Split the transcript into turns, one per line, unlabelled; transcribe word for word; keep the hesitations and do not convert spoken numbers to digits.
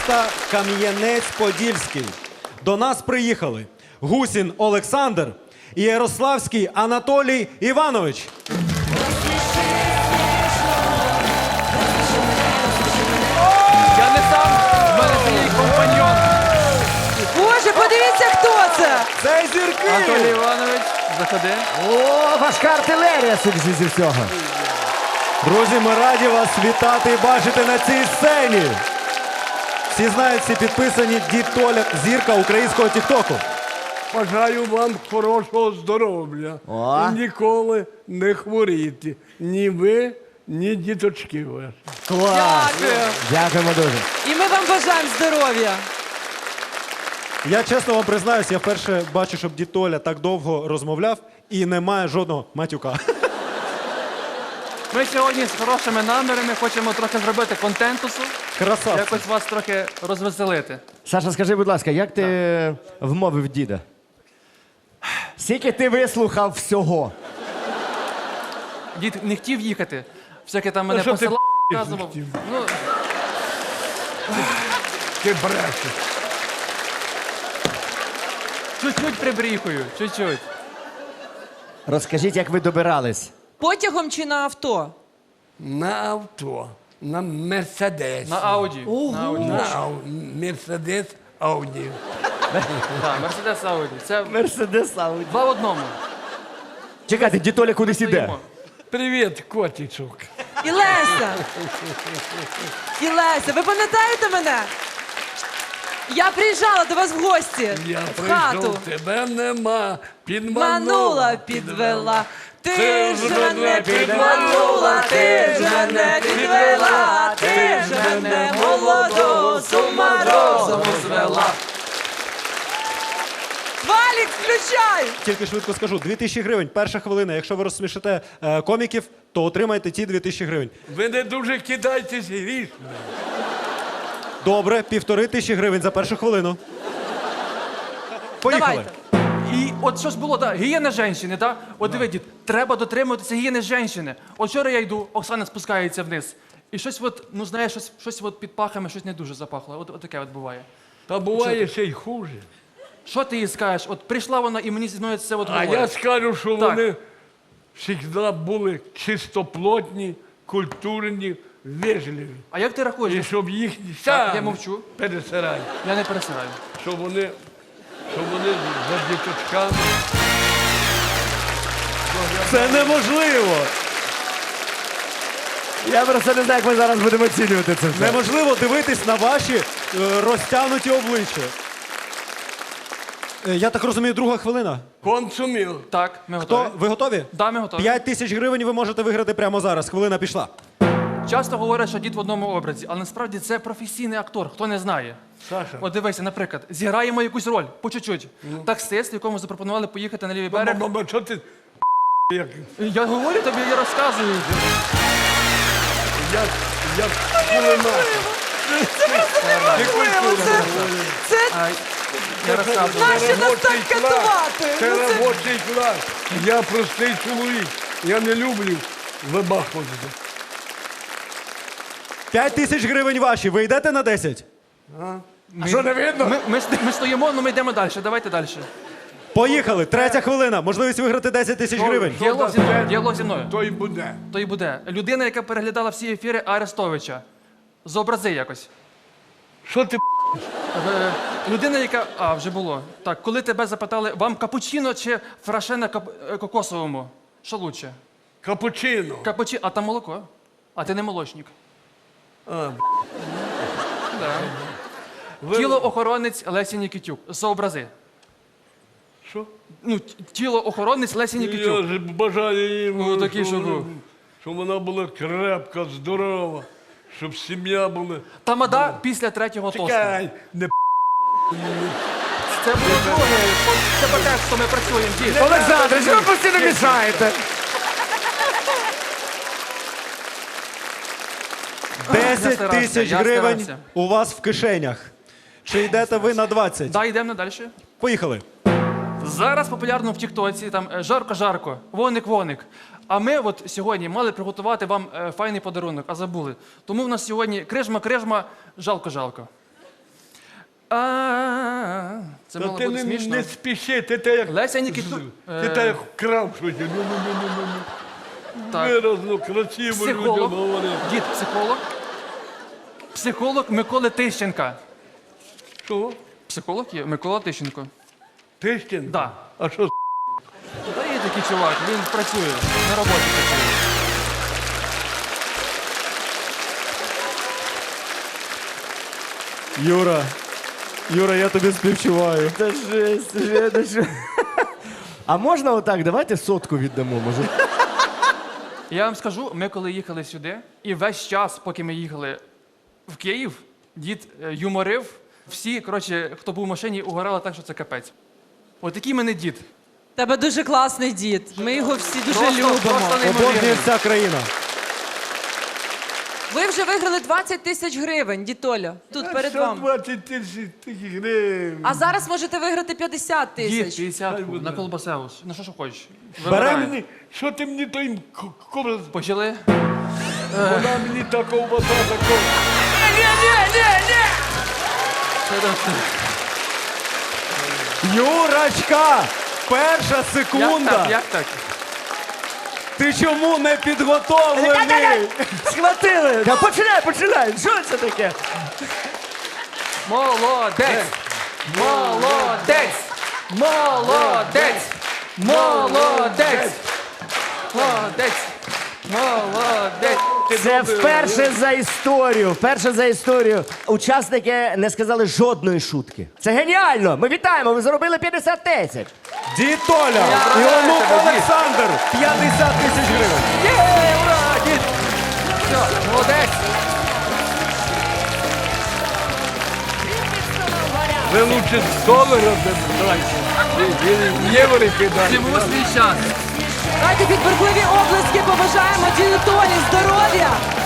міста Кам'янець-Подільський. До нас приїхали Гусін Олександр і Ярославський Анатолій Іванович.
Я не сам, в мене це мій компаньон.
Боже, подивіться, хто це!
Це зірки!
Анатолій Іванович, заходи.
О, важка артилерія, судячи зі всього.
Друзі, ми раді вас вітати і бачити на цій сцені. Всі знають, всі підписані Дід Толя, зірка українського тіктоку.
Бажаю вам хорошого здоров'я.
О.
І ніколи не хворіти. Ні ви, ні діточки ваші.
Клас.
Дякую.
Дякуємо дуже.
І ми вам бажаємо здоров'я.
Я чесно вам признаюсь, я вперше бачу, щоб Дід Толя так довго розмовляв і немає жодного матюка.
Ми сьогодні з хорошими намірами хочемо трохи зробити контентусу,
Красавці.
якось вас трохи розвеселити.
Саша, скажи, будь ласка, як ти вмовив діда? Скільки ти вислухав всього?
Дід не хотів їхати, всяке там мене
що ти
посилав,
не
показував.
хотів?
Ну,
Ти брешеш.
чуть-чуть прибріхую, чуть-чуть.
Розкажіть, як ви добирались.
Потягом чи на авто?
На авто, на Мерседес.
На Ауді. На Ауді.
На Ау- Мерседес Ауді.
Так, Мерседес Ауді. Це
Мерседес Ауді.
два в одному.
Чекайте, дітоля кудись іде.
Стоїмо.
Привіт, котичок.
І Леся! І Леся, ви пам'ятаєте мене? Я приїжджала до вас в гості.
Я
в хату.
прийшов, тебе нема. Підманула,
Манула, підвела. Ти ж мене підманула, ти ж мене підвела, ти ж мене молодого з ума розуму звела. Валік, включай!
Тільки швидко скажу, дві тисячі гривень, перша хвилина. Якщо ви розсмішите е, коміків, то отримайте ті дві тисячі гривень.
Ви не дуже кидайтесь грішми.
Добре, півтори тисячі гривень за першу хвилину. Поїхали.
Давайте.
І от що ж було, так, гігієна жінки, так? От диви, дід, треба дотримуватися гігієни жінки. От вчора я йду, Оксана спускається вниз. І щось от, ну знаєш, щось, щось от під пахами, щось не дуже запахло. От, от таке от буває.
Та буває ще й хуже.
Що ти їй скажеш? От прийшла вона і мені зі мною це от
А
говорить.
я скажу, що
Так.
вони завжди були чистоплотні, культурні, вежливі.
А як ти рахуєш?
І щоб їхні
Так,
сам
я мовчу.
пересирай.
Я не пересираю.
Щоб вони, щоб вони за діточками.
Це неможливо!
Я просто не знаю, як ми зараз будемо оцінювати це все.
Неможливо дивитись на ваші е, розтягнуті обличчя. Е, я так розумію, друга хвилина.
Консумів.
Так, ми
Хто?
готові.
Ви готові?
Да, ми готові.
П'ять тисяч гривень ви можете виграти прямо зараз. Хвилина пішла.
Часто говорять, що дід в одному образі, але насправді це професійний актор, хто не знає.
Саша.
От дивися, наприклад, зіграємо якусь роль, по чуть-чуть. Таксист, якому запропонували поїхати на лівий берег.
Баба, що ти як,
Я говорю тобі, я розказую.
як, як кулемет.
Неможливо, це, це
А, я розказую.
Нащо нас так
робочий клас.
катувати?
Це
Ну, це-
робочий клас. Я простий чоловік. Я не люблю вибахувати.
П'ять тисяч гривень ваші. Ви йдете на десять?
А що не видно? Ми, ми, ст- ми стоїмо, але ми йдемо далі. Давайте далі.
Поїхали. Третя хвилина. Можливість виграти десять тисяч гривень.
Діалог зі мною. Діалог зі мною.
То й буде.
То і буде. Людина, яка переглядала всі ефіри Арестовича. Зобрази якось.
Що ти
Е, Людина, яка. А, вже було. Так, коли тебе запитали, вам капучино чи фраше на кап... е, кокосовому? Що лучше?
капучино?
Капучино, а там молоко. А ти не молочник.
А,
Да.
ви-
Тілоохоронець Лесі Нікітюк. Зобрази.
Що?
Ну, т- тілоохоронець Лесі
Я
Нікітюк.
ж бажаю їм,
Ну, такий,
щоб,
щоб
вона-
був.
щоб вона була крепка, здорова, щоб сім'я була.
Тамада після третього тосту.
Чекай, не
Це буде друге. Це по тексту ми працюємо. Дід.
Олександр, що ви постійно мішаєте?
Десять
старався,
тисяч
я
гривень
старався.
у вас в кишенях. Чи йдете ви на двадцять?
Да, йдемо далі.
Поїхали.
Зараз популярно в Тіктоці там е, жарко-жарко, воник-воник. А ми от сьогодні мали приготувати вам е, файний подарунок, а забули. Тому в нас сьогодні крижма-крижма, жалко-жалко. А, це
Та
мало
ти
бути
не,
смішно.
не спіши, ти те як...
Леся Нікіту...
Ти
е,
те як вкрав щось. Ну, ну, ну, ну, ну, ну.
Так.
Виразно, красиво людям
Психолог.
говорити.
Дід, психолог. Психолог Миколи Тищенка.
Що?
Психолог є Микола Тищенко.
Тищин?
Да.
А що?
Та є такий чувак, він працює, на роботі працює.
Юра, Юра, я тобі співчуваю.
Та жесть, вже, та що? А можна отак, давайте сотку віддамо, може?
Я вам скажу, ми коли їхали сюди, і весь час, поки ми їхали в Київ, дід е, юморив. Всі, коротше, хто був в машині, угорали так, що це капець. Отакий мене дід.
Тебе дуже класний дід. Ми його всі дуже
Просто-
любимо.
просто не-
Обожнює вся країна.
Ви вже виграли двадцять тисяч гривень, дітоля. Тут перед
Що
вами.
двадцять тисяч тисяч гривень?
А зараз можете виграти п'ятдесят
Дід,
тисяч.
п'ятдесят на колбасеус. На що що хочеш.
Що
Вибирай.
мені, що ти мені той кобра...
Почали?
Вона мені та ковбаса, такого.
Юрочка! Перша
Як
секунда!
так? Як так?
Ти чому не підготовлений?
Схватили! Та починай, починай! Що це таке?
Молодець! Молодець! Молодець! Молодець! Молодець! Молодець!
Це вперше за історію, вперше за історію. Учасники не сказали жодної шутки. Це геніально! Ми вітаємо, ви заробили п'ятдесят тисяч.
Дід Толя і
Я
онук
тебе, дід.
Олександр. п'ятдесят тисяч гривень.
Є, ура, дід! Все, молодець!
Ви лучше з долара дайте. Євро кидайте.
Всьому свій час!
Давайте під бурхливі облески побажаємо діду Толі здоров'я,